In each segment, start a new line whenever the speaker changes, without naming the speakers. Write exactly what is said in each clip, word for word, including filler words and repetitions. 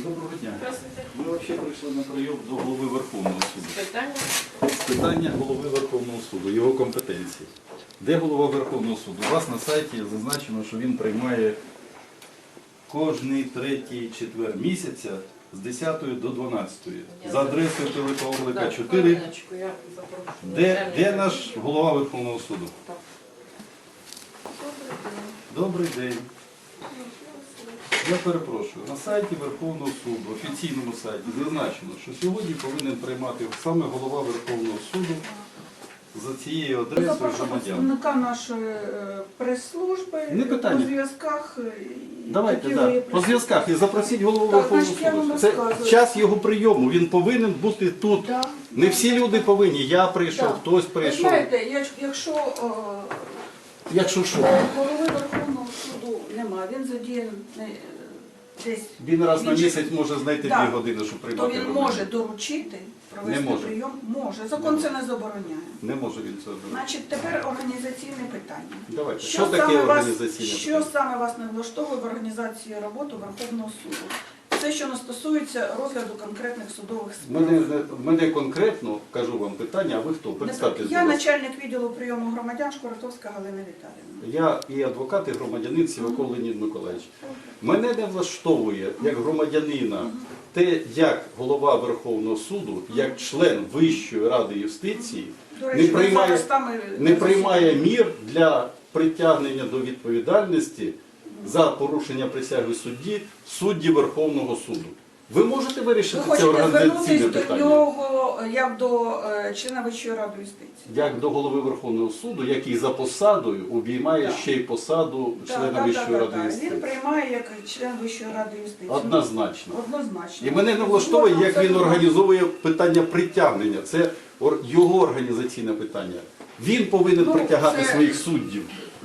Доброго дня.
Здравствуйте.
Ми взагалі прийшли на прийом до голови Верховного суду.
Питання?
Питання голови Верховного суду, його компетенції. Де голова Верховного суду? У вас на сайті зазначено, що він приймає кожний третій четвер місяця з десятої до дванадцятої. За адресою Пилипа чотири.
Хвилиночку, я запрошую.
Де, де наш голова Верховного суду?
Так.
Добрий день. Я перепрошую, на сайті Верховного суду, офіційному сайті, зазначено, що сьогодні повинен приймати саме голова Верховного суду за цією адресою
Запрошу
громадян.
представника нашої е, прес-служби
Не питання.
по зв'язках. е,
Давайте,
які
да.
ви
По зв'язках і запросіть голову
Так,
Верховного
значить, я вам
суду. Це
розказую.
час його прийому, він повинен бути тут.
Да.
Не всі люди повинні. Я прийшов,
Так.
хтось
Ви
прийшов.
знаєте, я- якщо е,
Якщо що,
голови Верховного суду немає, він задіяний е, десь,
він раз на
Він-
місяць може знайти
Так.
дві години, щоб
то
приймати
він
громадян.
може доручити провести
Не може.
прийом. Може. Закон це не забороняє.
Не може він це зробити.
Значить, тепер організаційне питання.
Давайте. Що,
Що,
таке
саме вас,
організаційне
що
питання?
саме вас не влаштовує в організації роботи Верховного суду? Це, що не стосується розгляду конкретних судових справ.
Мене, мене конкретно, кажу вам питання, а ви хто? Представтесь,
Я
будь ласка.
начальник відділу прийому громадян Шкуратовська Галина Віталіївна.
Я і адвокат, і громадянин Сіваков Леонід Миколаївич. Мене не влаштовує, як громадянина, те, як голова Верховного суду, як член Вищої ради юстиції,
До
не
речі, ви
приймає,
зараз там і-
не приймає мір для притягнення до відповідальності за порушення присяги судді судді Верховного суду. Ви можете
Ви
вирішити це
хочете
організаційне
звернутися до
питання?
нього як до е, члена Вищої ради юстиції?
Як до голови Верховного суду, який за посадою обіймає
Так.
ще й посаду
Так,
члена
так,
Вищої
так,
ради
так.
юстиції.
Він приймає як член Вищої ради юстиції.
Однозначно.
Однозначно.
І мене не влаштовує, як він
Абсолютно.
організовує питання притягнення. Це ор- його організаційне питання. Він повинен
Ну,
притягати
це-
своїх суддів.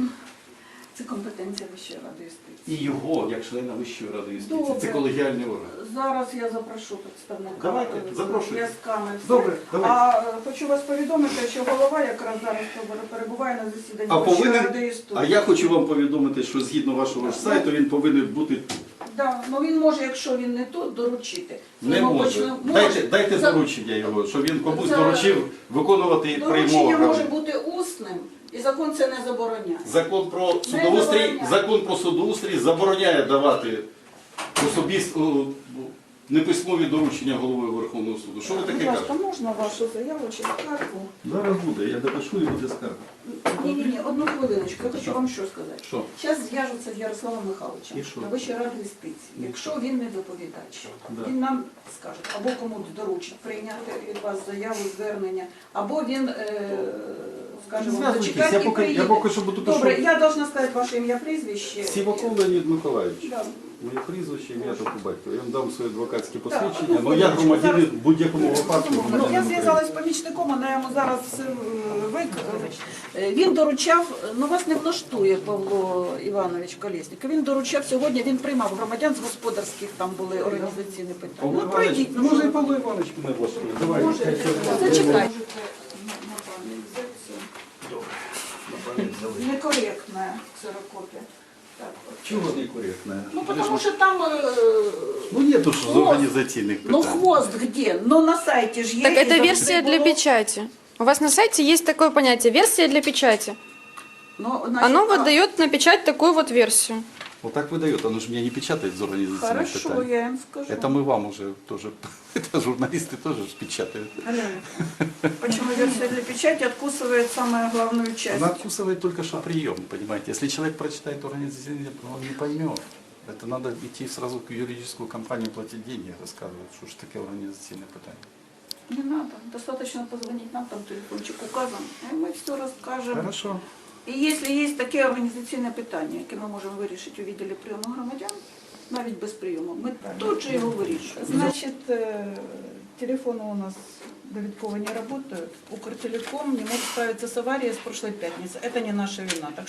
Це компетенція Вищої ради юстиції.
І його, як члена Вищої ради юстиції.
Добре.
Це колегіальний орган.
Зараз я запрошу представника.
Давайте,
е,
запрошуйте.
зв'язками. все.
Добре, давайте.
А е, хочу вас повідомити, що голова якраз зараз перебуває на засіданні
А
Вищої
повинен,
ради юстиції.
а я хочу вам повідомити, що згідно вашого ж сайту він повинен бути тут.
Да, ну він може, якщо він не тут, доручити.
Не
Йому
може.
почне-
Дайте, дайте
За-
доручення його, щоб він комусь
За-
доручив виконувати
Доручення
приймову.
може бути усним, і закон це не забороняє.
Закон про судоустрій,
забороняє.
закон про судоустрій забороняє давати особисто неписьмові доручення голови Верховного суду. Що ви
Будь
таке
ласка,
кажете?
можна вашу заяву чи скаргу?
Зараз буде, я допишу і буде скарга.
Ні, ні, ні, одну хвилиночку. Я хочу вам що сказати.
Що?
Зараз зв'яжуться з Ярославом Михайловичем
І що?
на Вищій раді юстиції. Якщо він не доповідач,
Да.
він нам скаже, або комусь доручить прийняти від вас заяву, звернення, або він е, скаже вам
Зв'язуйтесь,
зачекати
я
і
поки, я
приїде.
поки що буду
Добре,
пишу.
я должна сказати ваше ім'я, прізвище.
Сіваков Леонід Миколаївич.
Да.
Моє прізвище, ім'я та по батькові. Я вам дам своє адвокатське
Так,
посвідчення,
одну
але я
хвилиночку,
громадянин
зараз-
в будь-якому випадку.
Ну, я
громадянин
зв'язалась з помічником, вона йому зараз все е, вик... е, Він доручав, ну вас не влаштує Павло Іванович Колєсніков, він доручав сьогодні, він приймав громадян з господарських, там були організаційні питання.
Павло
Ну
Іванович,
пройдіть, ну
може і
що?
Павло Іванович мене влаштує. Давай.
Може, зачекайте. Некоректна ксерокопія. Так, от.
Чого некоректно?
Ну, потому что там... э,
Ну нету ж з
Хвост.
організаційних
Ну,
питань.
хвост где? Ну, на сайте же есть.
Так
и
это
завжди
версия для
було.
печати. У вас на сайте есть такое понятие версия для печати.
Ну, значит,
Оно
а,
выдает на печать такую вот версию.
Вот так выдает, оно же меня не печатает из организационных
Хорошо,
питаний.
я им скажу.
Это мы вам уже тоже, это журналисты тоже ж печатают.
Алена, почему версия для печати откусывает самую главную часть?
Она откусывает только что прием, понимаете. Если человек прочитает организационный, он не поймет. Это надо идти сразу в юридическую компанию, платить деньги, рассказывать, что же такое организационное питание.
Не надо, достаточно позвонить нам, там телефончик указан, и мы все расскажем.
Хорошо.
І якщо є таке організаційне питання, яке ми можемо вирішити у відділі прийому громадян, навіть без прийому, ми тут же його вирішуємо. Значить, телефоны у нас довідково не работают. Укртелеком не может справиться с аварией с прошлой пятницы. Это не наша вина. Так